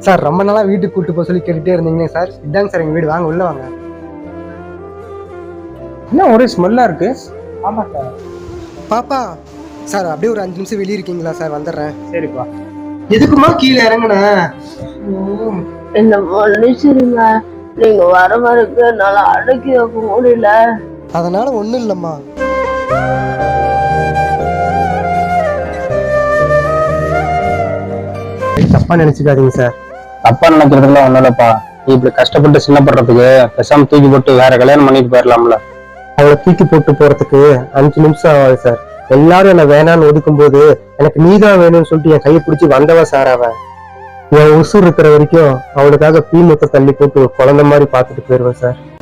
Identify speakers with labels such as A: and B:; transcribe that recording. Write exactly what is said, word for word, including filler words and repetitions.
A: Sir ரொம்ப நாளா வீட்டுக்கு கூட்டு போக சொல்லி கேட்டுட்டே இருந்தீங்க சார். இதாங்க சார் எங்க வீடு, வாங்க உள்ள வாங்க.
B: என்ன ஒரே ஸ்மெல்லா இருக்கு?
A: ஆமா சார். பாப்பா சார் அப்படியே ஒரு அஞ்சு நிமிஷம் வெளியே இருக்கீங்களா சார்? வந்துடுறேன்.
B: சரிப்பா.
A: எதுக்குமா கீழே இறங்குன?
C: என்ன மன்னிச்சிருங்க, நீங்க வர வரைக்கும் என்னால அடக்கி வைக்க முடியல.
A: அதனால ஒண்ணும் இல்லம்மா. தப்பா நினைச்சுக்காதீங்க சார்.
B: தப்பா நினைக்கிறதுக்குலாம் ஒண்ணும் இல்லப்பா. நீ இப்படி கஷ்டப்பட்டு சின்னப்படுறதுக்கு பேசாம தூக்கி போட்டு வேற கல்யாணம் பண்ணிட்டு போயிடலாம்ல.
A: அவளை தூக்கி போட்டு போறதுக்கு அஞ்சு நிமிஷம் ஆகாது சார். எல்லாரும் என்ன வேணான்னு ஒதுக்கும் போது எனக்கு நீதான் வேணும்னு சொல்லிட்டு என் கையை பிடிச்சி வந்தவ சார். அவன் என் உசுர் இருக்கிற வரைக்கும் அவளுக்காக பீ முத்த தள்ளி போட்டு குழந்தை மாதிரி பார்த்துட்டு போயிடுவேன் சார்.